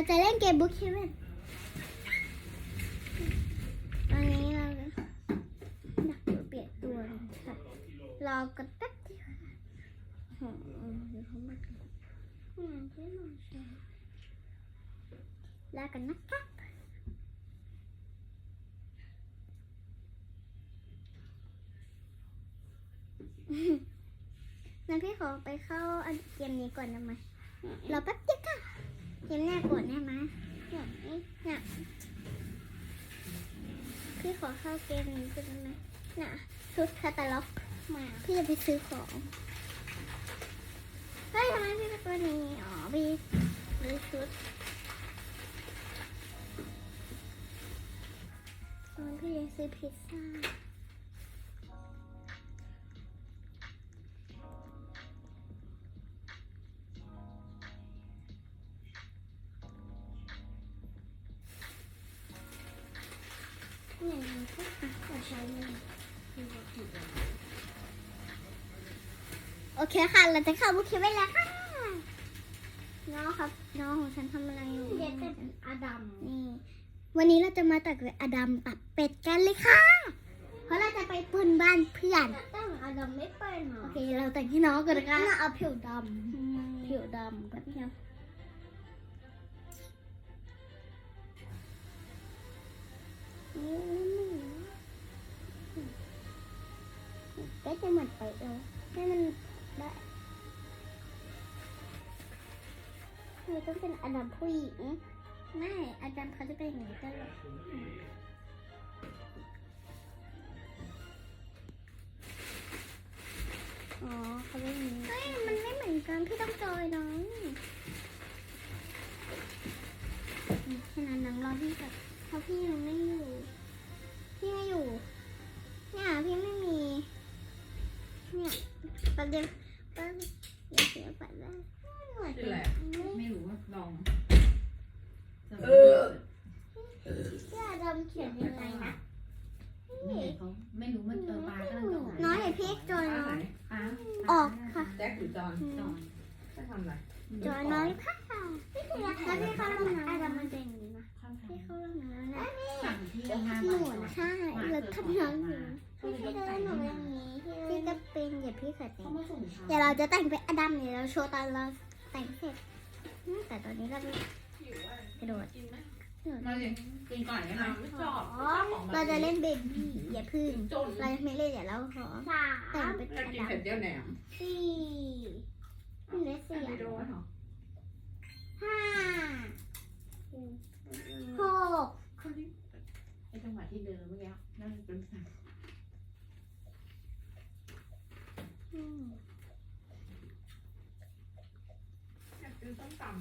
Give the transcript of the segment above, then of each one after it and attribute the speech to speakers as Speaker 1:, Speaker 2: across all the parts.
Speaker 1: จะเล่นเกมบุ๊กเฮเว่นตอนนี้เราอยากเปลี่ยนตัวค่ะรอกันแป๊บเดียวเดี๋ยวเขามากันที่นอนใช่ลากันนะครับงั้นพี่ขอไปเข้าเกมนี้ก่อนได้ไหมรอแป๊บเดียวค่ะเกมแรกก่อนได้ไหมเนี่ยพี่ขอเข้าเกมนี้ก่อนได้ไหมน่ะชุดคาตาล็อกมาพี่จะไปซื้อของเฮ้ยทำไมพี่เป็นตัวนี้อ๋อพี่ซื้อชุดพี่จะซื้อพิซซ่าโอเคค่ะเราจะเข้าบุคคลไว้แล้วค่ะน้องครับน้องของฉันทำอะไรอยู่เรียนเป็นอดัมนี่วันนี้เราจะมาตัดอดัมตัดเป็ดกันเลยค่ะเพราะเราจะไปปล้นบ้านเพื่อนแต่งอดัมไม่เป็นหรอโอเคเราแต่งให้น้องกันนะคะเอาผิวดำกับพี่ครับก็จะหมดไปให้มันได้ไม่ต้องเป็นอดัมผู้หญิงไม่อดัมเขาจะเป็นอย่างนี้ตลอดอ๋อเขาเป็นอย่างนี้เฮ้ยมันไม่เหมือนกันพี่ต้องจอยน้องขนาดนังรอพี่กับเพราะพี่ยังไม่อยู่พี่ไม่อยู่เนี่ยพี่ไม่มีเนี่ยประเดี๋ยวอย่าเสียไปแล้ว
Speaker 2: ชื่ออะไรไม่รู้ว่าลอง
Speaker 1: พี่อาดำเขียนยังไงนะ
Speaker 2: เขาไม่รู้มันปลาก็เลยต้อง
Speaker 1: น้อยเดี๋ยวพี่จอยน้อยออกค่ะ
Speaker 2: แจ็คหรือจอนจะทำอะไร
Speaker 1: จอยน้อยค่ะพี่คือแล้วพี่เข้าห้องน้ำอาดำมันเป็นอย่างนี้นะพี่เข้าห้องน้ำนะหนูใช่แล้วทำน้ำอยู่พี่เดินหนูอย่างนี้พี่ก็เป็นอย่าพี่เขินเดี๋ยวเราจะแต่งเป็นอดัมเดี๋ยวเราโชว์ตอนเราแต่งเสร็จแต่ตอนนี้เรากระโดด
Speaker 2: มาสิกินก่อนนะไม่ชอบ
Speaker 1: เราจะเล่นเบบี้อย่าพึ่งเราไม่เล่นอย่าเราขอแต่งเป็นอ
Speaker 2: กิน
Speaker 1: ดัม
Speaker 2: เผ็ดเจียวแหนม
Speaker 1: สี่เลสสี่ห้าหก
Speaker 2: ไอจังหวะที่เดินเมื่อกี้นั่นเป็นอยากกินส้มตำ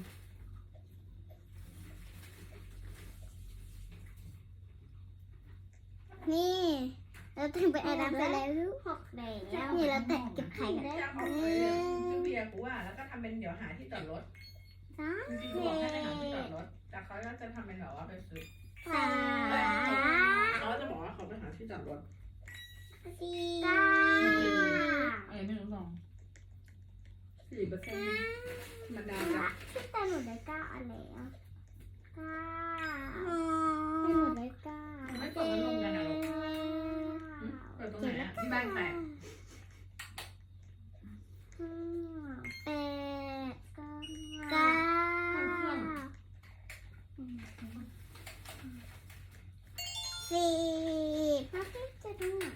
Speaker 1: นี่เราแต่งเป็นอดัมไปแล้วลูกนี่เราแต่งเก็บไข่กันได้
Speaker 2: ซื้อเบียร์กูว่าแล้วก็ทำเป็นเดี๋ยวหาที่จอดรถจริงๆบอกให้ไปหาที่จอดรถแต่เขาก็จะทำเป็นแบบว่าไปซื้อเขาจะบอกว่าเขาไปหาที่จอดรถ
Speaker 1: ก้า
Speaker 2: อะไรไม่รู้ลอง4%มันดาจ้ะ
Speaker 1: แต่หนูได้ก้าอะไรอ่ะก้าหนูได้ก้า
Speaker 2: ไม่เปิดพัดลมกันนะลูกเปิดตรงไหนอ่ะที่บ้านแตก
Speaker 1: ก้าสี่พ่อพี่จะดูหน่อย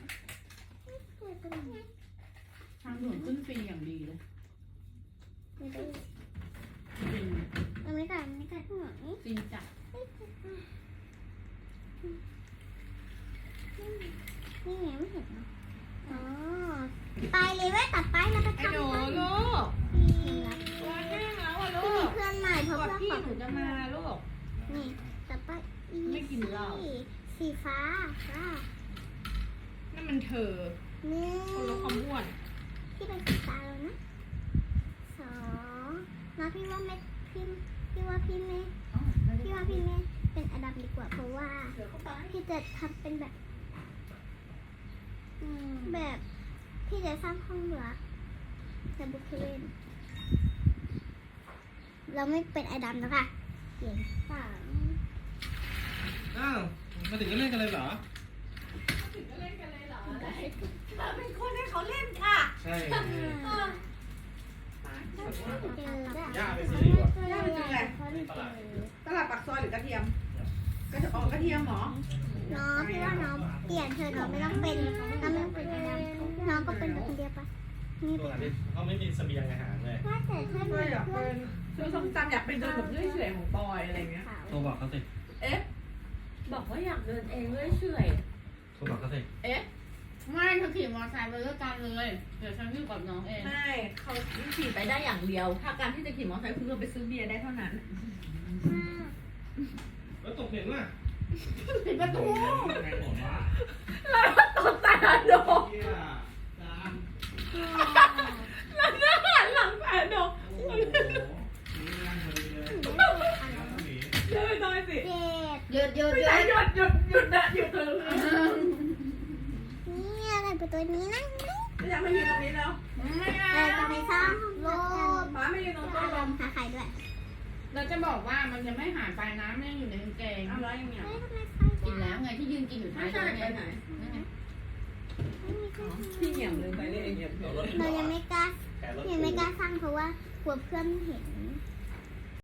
Speaker 2: ทางด่วนขึ้นฟรีอย่างดีเลย
Speaker 1: ไม่ได้ไม่ได้ไม่ได้หน่อย
Speaker 2: จริงจัง
Speaker 1: นี่ไงไม่เห็นอ๋อไปเลยว่าตัดไปแล้วก็ทำ
Speaker 2: ไอ้หนูลูกตัวแห้งแล้วอ่ะลูก
Speaker 1: เพื่อนใหม่เพราะเพื่อน
Speaker 2: พี่หนูจะมาลูก
Speaker 1: นี่ตัดไป
Speaker 2: ไม่กินเหล้า
Speaker 1: สีฟ้าค่ะ
Speaker 2: นั่นมันเธอ
Speaker 1: นี่
Speaker 2: คนละความอ้วน
Speaker 1: พี่เป็นสีฟ้าแล้วนะสองแล้วพี่ว่าไม่พี่ว่าพี่ไม่เป็นอดัมดีกว่าเพราะว่าพี่จะทำเป็นแบบพี่จะสร้างห้องลับแต่บุคคลเราไม่เป็นอดัมแล้วค่ะเปลี่ยนฝั่ง
Speaker 3: อ้าวมาถึงก็เล่นกันเลยเหรอ
Speaker 2: ถึงก็เล่นกันเลยเหรออะไรเธอเป็นคนให้เขาเล่นค่ะ
Speaker 3: ใช่
Speaker 1: ย่า
Speaker 3: ไปซื้อดีกว่า
Speaker 2: ย่าไปซื้ออะไรตลาดปากซอยหรือกระเทียมกระเทียมหรอ
Speaker 1: น้องพี่ว่าน้องเปลี่ยนเธอะน้องไม่ต้องเป็นน้องก็เป็นคนเดียวปะนี่
Speaker 3: ตัวนี้เขาไม่มีเสบียงอาหารเลย
Speaker 1: ว่าแต่ถ้า
Speaker 2: ก็อยากเป็นซื้อส้มตำอยากเป็นเดินแบบเรื่อยเฉยของปอยอะไรเงี้ย
Speaker 3: โทรบอกเขาสิ
Speaker 2: เอ๊ะ
Speaker 4: บอกว่าอยากเดินเองเรื่อยเฉย
Speaker 3: โทรบอกเขาสิ
Speaker 2: เอ๊ะ
Speaker 4: ไม่เธอขี่มอเตอร์ไซค์ไปด้วยกันเลย เดี๋ยวฉันอยู่กับน้องเอง
Speaker 2: ไม่เขาขี่ไปได้อย่างเดียว ถ้าการที่จะขี่มอเตอร์ไซค์คุณก็ไปซื้อเบียร์ได้เท่านั้น
Speaker 3: แล้วตกเห็นว่า
Speaker 2: ปิดประตู
Speaker 3: ไงผมว่า
Speaker 2: แล้วตกแต่โดน
Speaker 3: เฮียจาน
Speaker 2: แล้วหน้าหันหลังแต่โดน
Speaker 3: โอ้โหนี่นั่งพอดีเลยหนี
Speaker 2: เดินหน่อยสิ
Speaker 1: เจ็ด
Speaker 4: หยุด
Speaker 2: ไม่ได้หยุดนะหยุดเลย
Speaker 1: นี่อะไรเป็นตัวนี้นะ
Speaker 2: ไม่อยากมายืนตรงนี้แล้ว
Speaker 4: ไม่
Speaker 1: จะไปสร้างโลก
Speaker 2: ป้าไม่ยืนตรงต้
Speaker 1: อาน ร
Speaker 2: ล
Speaker 1: ม
Speaker 2: ม
Speaker 1: ณ์หาใครด้วย
Speaker 4: เราจะบอกว่ามันยังไม่หายไปนะมันยังอยู่ในกางเกง
Speaker 2: เอาแล้วยังไง
Speaker 1: เฮ้ยทำไมไฟ
Speaker 4: กินแล้วไงที่ยืนกินอยู่ท้า
Speaker 2: ไม่
Speaker 4: ย
Speaker 2: ใช่
Speaker 4: รถ
Speaker 2: ไป
Speaker 4: เนี่ย
Speaker 2: ไหน
Speaker 4: นั่นไง
Speaker 2: พี่เหยียบลืมไปเลยเหยียบ
Speaker 1: เรายังไม่กล้า
Speaker 3: แขนรถ
Speaker 1: ยังไม่กล้าสร้างเพราะว่ากลัวเพื่อนเห็น